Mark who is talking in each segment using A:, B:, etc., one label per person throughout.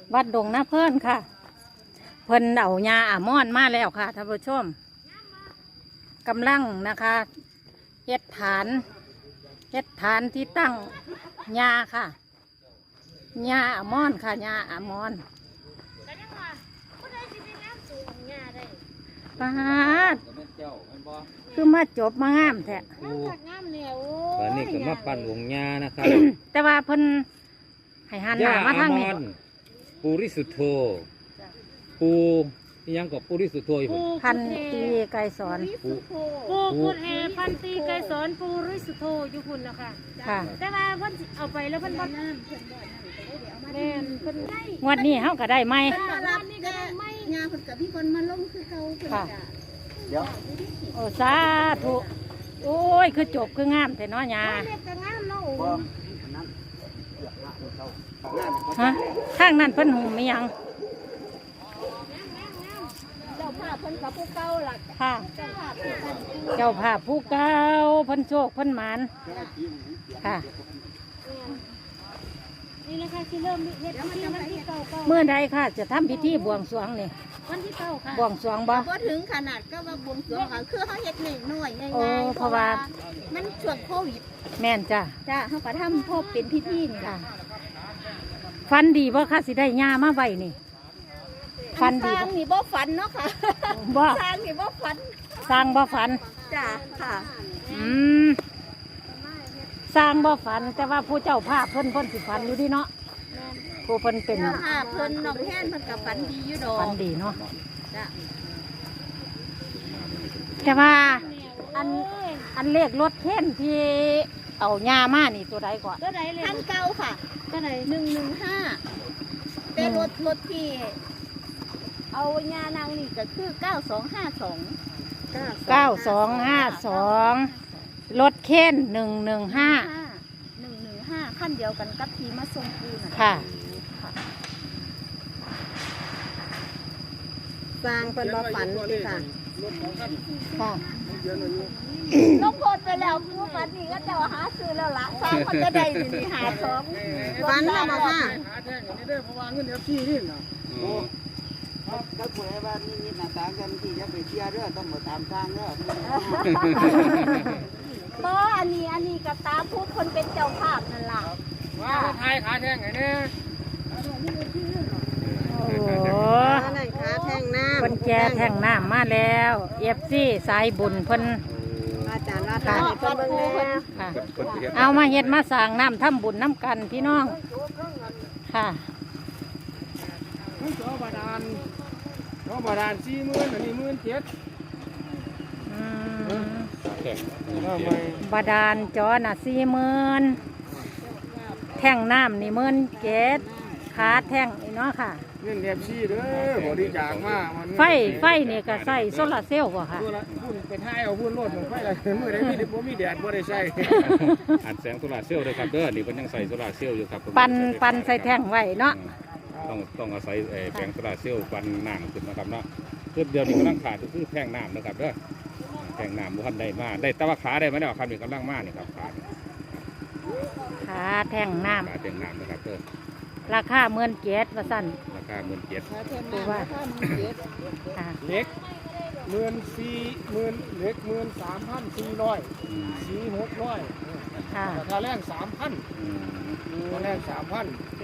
A: วัดดงนาเพิ่นค่ะเพิ่นเอายาอ่ามอนมาแล้วค่ะท่านผู้ชมกำลังนะคะเฮ็ดฐานที่ตั้งยาค่ะยาอ่ามอนค่ะยาอ่ามอนปาดคือมาจบมางามแท้
B: ตอนนี้ก็มาปั่นวงยานะครับ
A: แต่ว่าเพิ่นให้หันหน้ามาทางนี้
B: ปูริสุทโธปูยังกับปูริสุทโธอยู่
A: พันตีไกรสอน
B: ปู
C: ปูกุดแฮพันตีไกรสอนปูริสุทโธอยู่พุ่นนะคะ
A: ค่ะ
C: แต่ว่าเพิ่นเอาไปแล้วเพิ่นบ่แม่นเพิ่นได้
A: งวดนี้เฮาก็ได้ไหม
C: รับนี่ก็ไม่
D: งานเพิ่นกับพี่คนมาลงคือเขาเพิ่น
A: ค่ะ
D: จ้ะ
A: โอ้สาธุโอ้ยคือจบคืองามแต่น้อยา
C: เรียกก็งามเนาะ
A: ฮะข้างนั้นเพิ่นหุมไม่ยัง
D: เจ้าภาพเพิ่นกับผู้เก่าล่ะ
A: ค่ะ
D: เจ้าภาพผู้เก่า
A: เจ้าภาพผู้เก่าเพิ่นโชคเพิ่นหมานค่ะ
C: นี่แหละค่ะที่เริ่มเฮ็ดพิธีวันที่เก้า
A: เมื่อใดค่ะจะทำพิธีบวงสรวงนี่
C: วันที่เก้าค่ะ
A: บวงสรวงบ่
D: บ่ถึงขนาดก็ว่าบวงสรวงค่ะคือเฮาเฮ็ดน้อยๆง่าย
A: โอ้
D: ๆ
A: เพราะว่า
D: มันช่วงโควิด
A: แม่นจ้ะ
D: จ้ะเฮาก็ทำพบเป็นพิธีนี่
A: ค่ะ
D: ล่ะ
A: ฟันดีบ่ค่ะสิได้ยามาไว้นี่ฟัน
D: ส
A: ดี
D: ร้าง
A: บ่
D: นี่บ่ฝันเนาะค่ะ
A: บ่
D: สร้างนี่บ่ฝัน
A: สร้างบ่ฝัน
D: จ้ะค่ะ
A: อืมสร้างบ่ฝันแต่ว่าผู้เจ้าภาพเพิ่นสิฝันอยู่ดีเนาะผู้เพิ่นเป็น
D: เจ้าภาพเพิ่นน้องแทนเพิ่นก็ฝันดีอยู่ดอ
A: ฝั
D: ก
A: นดีเนาะ
D: จ้ะ
A: แต่ว่าอันเลขรถเข็นที่เอายามานี่ตัวใดก่อน
C: ก็ได้เลย
D: คันเก่าค่ะ
C: ก็ได้
D: 115แต่รถที่เอาญานางนี่ก็คือ9252
A: 9252รถเข็น115
D: 115ขั้นเดียวกันกับทีมาส่งปูน่ะ
A: ค่ะ
D: สร้างเป็นบ่ฝันสิค่ะ
A: ค่ะ
D: น้องโพดไปแล้วปูฝันนี่ก็จะหาซื้อแล้วล่ะสร้างมันก็ได้นี่หาของฝันแล้วบ่ค่ะ
E: หาแท่งอันนี้ได้เพราะว่าเงินเดือนพี่นี่นะ
F: ถ้าผู้ใดว่านี่มีหน้าต่างกันที่จะไปเชียร์เด้อต้องมาตามทางเด้อ
D: บ่อันนี้กับตาพูดคนเป็นเจ้าภาพนั่นล่ะ
E: ว่าไทยขาแท่งไงเนี่ย
A: โอ้โห
D: นั่นขาแท่งน้ำ
A: เพิ่นแก่แท่งน้ำมาแล้วเอฟซีสายบุญเพิ่น
D: อาจารย์ว่าทางเพิ่นเบิ่งแน่
A: ค่ะ เอามาเฮ็ดมาสร้างน้ำทำบุญน้ำกันพี่น้องค่ะ
E: มันจอบาดาล40,000อันนี้17,000
A: อืม
E: ทำไม
A: บาดาลจอน่ะ40,000แท่งน้ำนี่17,000ขาแท่งนี่เนาะค่ะ
E: เงินเดือนพี่เด้อบริจาคมามัน
A: ไฟนี่ก็ใส่โซลาร์เซลล์บ่ค่ะ
E: ตัวละพุ่นไปท้ายเอาพุ่นรถของไฟละมื้อใดมีบ่มีแดดบ่ได้ใช้
B: อัดแสงโซลาร์เซลล์ด้วยครับเด้อนี่เพิ่นยังใส่โซลาร์เซลล์อยู่ครับ
A: ปันใส่แท่งไว้เนาะ
B: ต้องอาศัยแผงโซลาร์เซลล์ปันน้ำขึ้นนะครับเนาะคือเดี๋ยวนี้กำลังขาดก็คือแท่งน้ำนะครับเด้อแท่งน้ำบ่ทันได้มาได้แต่ว่าขาได้มาแล้วครับนี่กำลังมานี่ครับขา
A: ขาแท่งน้
B: ขาแท่งน้ำนะครับเด้อ
A: ำราคา17,000ว่าซั่น
B: ราคา17,000
D: ขาแท่งน้ำราคา17,000
A: ค่ะ
E: เล็ก14,000เล็ก13,400 สี600
A: ค่ะ
E: ราคาแรง3,000
B: อืม
E: ราคาแรง3,000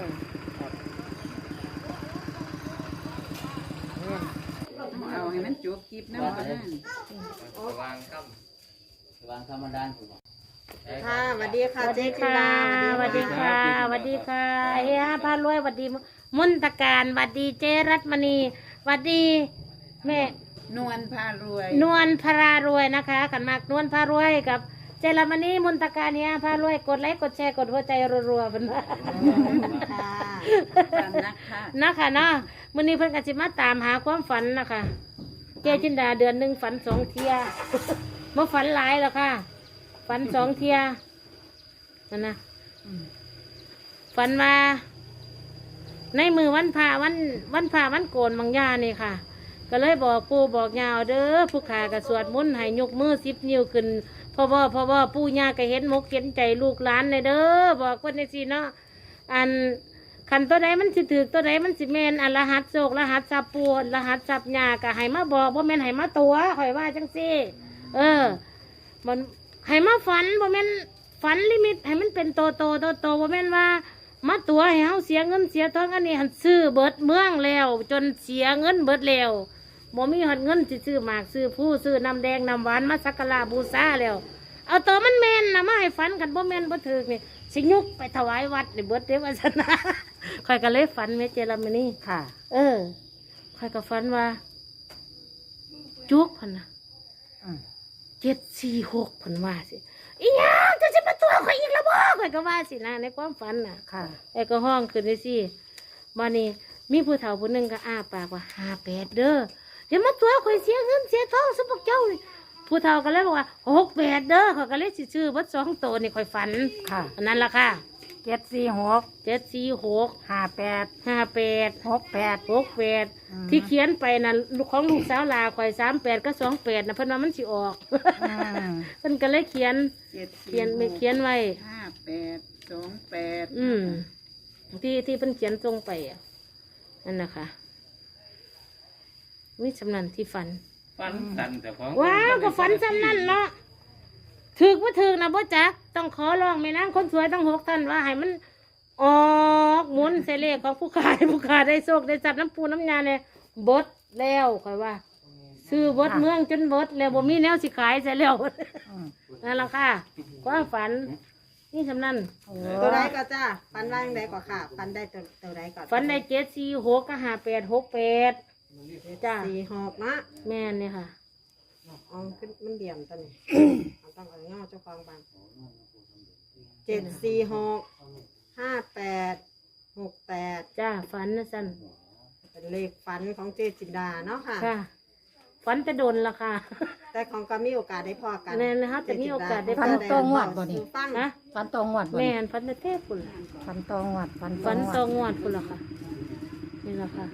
F: เอาให้มันจบคลิปนะมันวางธรรมดา
D: ค่ะสวัสดีค่ะ
A: สวัสดีค่ะสวัสดีค่ะสวัสดีค่ะเฮียพารวยสวัสดีมนตการสวัสดีเจรัตมณีสวัสดีแม่
F: นวลพารวย
A: นวลพารารวยนะคะกันมากนวลพารวยกับเจรัตมณีมนตการเฮียพารวยกดไลค์กดแชร์กดหัวใจรัวๆเป็นว่า
D: ค่ะตามนะคะ
A: นะคะเนาะมื้อนี้เพิ่นก็สิมาตามหาความฝันนะคะเจจินดาเดือนหนึงฝัน2 เที่ย บ่ฝันหลายแล้วค่ะฝัน2 เที่ยนั่นนะฝันว่าในมือวันพระวันโกนบางยานี่ค่ะ ก็เลยบอกปู่บอกยาเอาเด้อผู้ขากระสวดมนต์ให้ยกมือ10 นิ้วขึ้นพ่อบ่ปู่ย่าก็เห็นมกเห็นใจลูกหลานเลยเด้อบอกคนในสิเนาะอันขันตัวใดมันสิถือตัวใดมันสิแมนรหัสโศกรหัสสับปูรหัสสับหยากะให้มาบอกว่าแมนให้มาตัวข่อยว่าจังซี่มันให้มาฝันว่าแมนฝันลิมิตให้มันเป็นโตว่าแมนว่ามาตัวให้เฮาเสียเงินเสียทองอันนี้หันซื้อเบิดเมืองแล้ว จนเสียเงินเบิดแล้วบ่มีหันเงินสิซื้อหมากซื้อผู้ซื้อน้ำแดงน้ำหวานมาสักการะบูชาแล้วเอาตัวมันแมนนะมาให้ฝันกันบ่แมนบ่ถึกนี่สิยุกไปถวายวัดนี่เบิดเด้ว่าซั่นนะข่อยก็เลยฝันแม่เจรามนี่
C: ค่ะ
A: ข่อยก็ฝันว่าจุกพันนะ746พันว่าสิอีหยังจะสิมาตัวข่อยอีกแล้วบ่ข่อยก็ว่าสินะในความฝันน่ะ
C: ค่ะ
A: ไอ้ก็ห้องขึ้นได้สิมานี่มีผู้เฒ่าผู้หนึงก็อ้าปากว่า58เด้อเดี๋ยวมาตัวข่อยเสียเงินเสียทองซุพวกเจ้านี่ผู้เฒ่าก็เลยบอกว่า68เด้อข่อยก็เลยสิซื้อเบิด2ตัวนี่ข่อยฝัน
C: ค่ะ
A: อันนั้นล่ะค่ะ
C: 746
A: 746
C: 58
A: 58
C: 68
A: 68ที่เขียนไปนะของลูกสาวลาข่อย38ก็28นะเพิ่นว่ามันสิออกเพิ่นก็เลยเขียนไว้
D: 5828
A: ที่เพิ่นเขียนตรงไปอ่ะนั่นนะคะวิสำนันที่ฝัน
B: ฟันสันแต่ของ
A: ว้าวก็ฝันสำนันเนาะถึกว่าถึกนะบ่จักต้องขอร้องแม่นางคนสวยทั้ง6ท่านว่าให้มันออกหมุนเสเลขของผู้ขายผู้ขายได้โชคได้จับน้ำปูน้ำยาเนี่ยบดแล้วค่อยว่า ซื้อบดเมืองจนบดแล้วบ่มีแนวสิขายใส่แล้วนั่นล่ะค่ะความฝันนี่สำนัน
G: ตัวใดก็จ้าฟันว่าจั่งใดก็ค่ะฟันได้ตัวใดก็
A: ฝันได้746ก็5868จ้า
G: 46นะ
A: แม่นเนี่ยค่ะ
G: เอาขึ้นมันเดี่ยมตัวนี้เอาต้องเอาเงาเจ้าของบ้าน7465868
A: จ้าฝันนะสัน
G: เป็นเลขฝันของเจจินดาเนาะค่ะ
A: ค่ะฝันจะโดนละค่ะ
G: แต่ของก็มีโอกาสได้พอกัน
A: แม่นนะคะแต่มีโอกาสได้
C: ฟันตรงงวดบ่นี่
G: ฟัง
A: นะ
C: ฟันตรงงวดบ่
A: แม่
C: นี่
A: นฝันจะเทพคุณล่ะ
C: ฟันตรงงวดฟัน
A: ฝัน
C: งวด
A: ตองวดคุณล่ะค่ะนี่ละค่ะ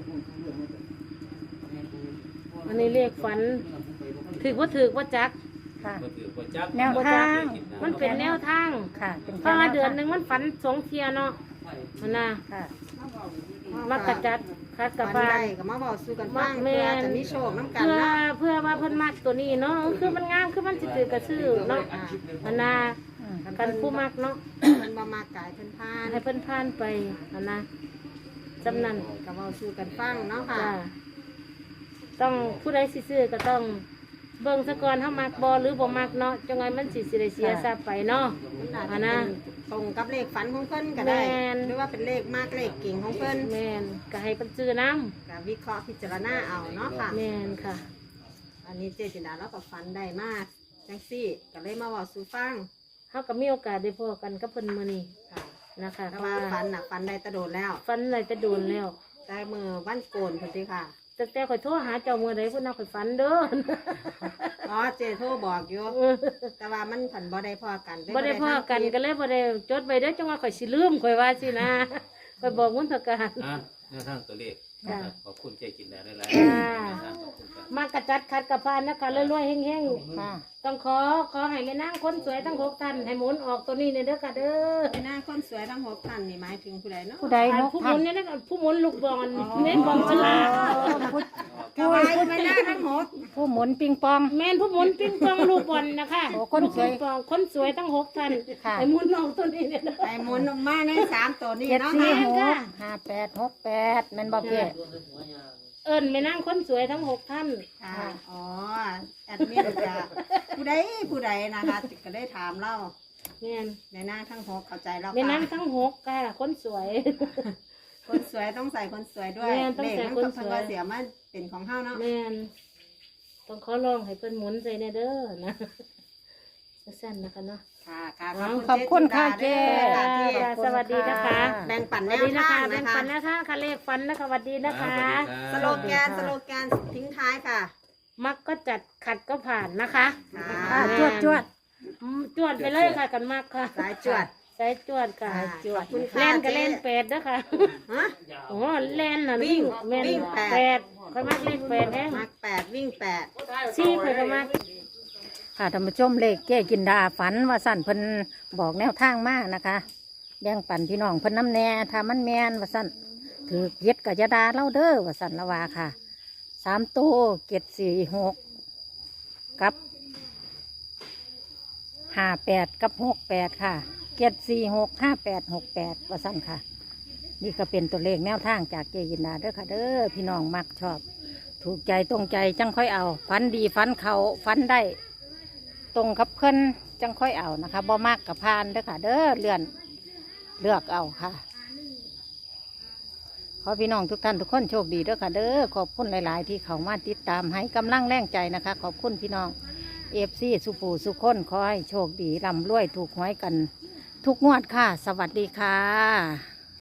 A: อันนี้เรียกฝันถือว่าจัก
C: ค่ะ
B: ก็ถือว่าจับ
C: แนวทาง
A: มันเป็นแนวทาง
C: ค่ะ เป็น
A: เพราะว่าเดือนหนึ่งมันฝัน2 เที่ยเนาะมันน่ะ
C: ค่ะ
A: มักกะจัดคัดกะ
G: ฟัน
A: ฟา
G: ได้
A: น
G: ก็มาบอกสู้กันฟัง
A: แม่
G: เพื่อน จะมีโชคน้ำกัน
A: เพื่อ
G: เนาะ
A: ว่าเพิ่นมักตัวนี้เนาะคือมันงามคือมันสิถือกระซื้อเนาะมันน่ะกันผู้มักเนาะ
G: มันบ่มากายเพิ่นพาน
A: ให้เพิ่นผ่านไปมันน่ะจำนั้น
G: ก็เว้าสู้กันฟังเนาะค่ะ
A: จ้าต้องผู้ใดสิซื้อก็ต้องเบิ่งซะก่อนเฮามักบ่หรือบ่มักเนาะจังไงมันสิได้เสียทรัพย์ไปเนาะ
G: มันอาจ
A: อั
G: จะ
A: นน่ะ
G: เป็นตรงกับเลขฝันของเพิ่นก็ได้
A: แม่น
G: หรือว่าเป็นเลขมากเลขเก่งของเพิ่น
A: แม่นก็ให้เพิ่นซื้อน้
G: ก็วิเคราะห์พิจารณาเอาเนาะค่ะ
A: ำแม่นค่ะ
G: อันนี้เจจินดาเราก็ฝันได้มากจังซี่ก็เลยมาบอกสู่ฟัง
A: เฮาก็มีโอกาสได้พบกันกับเพิ่นมื้อนี้
G: ค่ะ
A: นะคะ
G: แต่
A: เพราะ
G: ว่า
A: ว่า
G: ฝันน่ะฝันได้แตะโดนแล้ว
A: ฝันอะไรจะโดนแล้ว
G: แต่มือวันโกนพุ่นติค่ะ
A: ตั้งแต่ข่อยโทรหาเจ้ามื้อใดเพิ่นเอาข่อยฝันเด้อ
G: อ๋อเจโทรบอกอยู่แต่ว่ามันผันบ่ได้พอกัน
A: บ่ได้พอกันก็เลยบ่ได้จดไว้เด้อจังว่าข่อยสิลืมข่อยว่าสินะ ข่อยบอกมุนตการ
B: แนวทางตัวเลข
A: จ้ะ
B: ขอบคุณเจ๊กินได้หลาย
A: จ้า
B: ขอบคุณครับ
A: มากระจัดขัดกระพานนะคะรวยๆแห้ง
C: ค่ะ
A: ๆต้องขอให้แม่นางคนสวยทั้ง6ท่านให้หมุนออกตัวนี้เนี่ยเด้อค่ะเด้อ
G: หน้าคนสวยทั้ง6ท่านนี่หมายถึงผู้ใดเนาะ
C: ผู้ใด
A: อัน
C: นก
A: ผู้ห
C: ท่า
A: มุ
C: น
A: นเนี่ยนะผู้หมุนลูกบอลเน้นบอลฉลาก
G: ก็ไว้ไม่ได้ทั้ง6
C: ผู้หมุนปิงปอง
A: แม่นผู้หมุนปิงปองลูกบอลนะคะ
C: โอ้คนสวย
A: ลูกปิงปองคนสวยทั้ง6ท่าน
C: ค่ะ
A: ให้หมุนออกตัวนี้เนี่ยเด้อ
G: ไอ้หมุนออกมาใน3ตัวนี้
C: เจ็ด
G: เนาะ
C: สี่
G: ค่ะ
C: หก5868แม่นบ่เจ๊
A: เอิ้นแม่นางคนสวยทั้ง6ท่าน
G: ค่ะอ๋อแอดมินจะผู้ใดนะคะก็ได้ถามเรา
A: แม่น
G: ในหน้าทั้ง6เข้าใจแล้ว
A: แม่นาง
G: ค่ะ
A: ทั้ง6ค่ะคนสวย
G: คนสวยต้องใส่คนสวยด้วย
A: แม่ต้องใส่คนสวย
G: เพิ่นว่าเสียมาเป็นของเฮาเนาะ
A: แม่นต้องขอร้องให้เพิ่นหมุนใจแน่เด้อนะสั้นๆนะคะเนาะ
G: ค่ะค่ะ
C: ขอบคุณค่ะเจ๊
G: ค่ะที่
A: สวัสดีนะคะ
G: แบ่งปัน
A: ส
G: แน
A: วัส
G: ว
A: ดีนะ
G: ทา
A: คะ
G: ง
A: แบ่
G: นะ
A: ง
G: คะ
A: ปันนะคะค่ะเลขฟันนะคะสวัสดีนะคะ
G: สโลแกนทิ้งท้ายค่ะ
A: มักก็จัดขัดก็ผ่านนะคะ
C: ค่ะจวดจวด
A: จวดไปเลยค่ะกันมากค่ะ
G: สายจวด
A: สายจวดค่ะ
G: สายจวดขอบคุณค่ะ
A: เล่นก็
G: เจ๊
A: เล่น8เด้อค่ะ
G: ฮะ
A: โอ้เล่นน่ะ
G: วิ่ง
A: แม่น
G: วิ่งแปด
A: แปดค่อยมักเล่น8แฮง
G: มัก8วิ่ง8
A: ซี่ค่อยก็มัก
C: ค่ะท่านผู้ชมเลขเจ๊กินดาฝันว่าสั่นเพิ่นบอกแนวทางมากนะคะ
A: แบ่งปันพี่น้องเพิ่นน้ำแน่ถ้ามันแมนว่าสั่นถือเก็ดกับยาดาเล่าเด้อว่าสั่นละว่าค่ะ3ตัว746กับ58กับ68ค่ะ7465868ว่าสั่นค่ะนี่ก็เป็นตัวเลขแนวทางจากเจยินดาเด้อค่ะเด้อพี่น้องมักชอบถูกใจตรงใจจังค่อยเอาฟันดีฟันเขาฟันได้ตรงกับเพิ่นจังค่อยเอานะคะบ่มากกับพานเด้อค่ะเด้อเลือกเอาค่ะขอพี่น้องทุกท่านทุกคนโชคดีเด้อค่ะเด้อขอบคุณหลาย ๆ ที่เขามาติดตามให้กำลังแรงใจนะคะขอบคุณพี่น้องFCสุภูสุคนขอให้โชคดีร่ำรวยถูกหวยกันทุกงวดค่ะสวัสดีค่ะ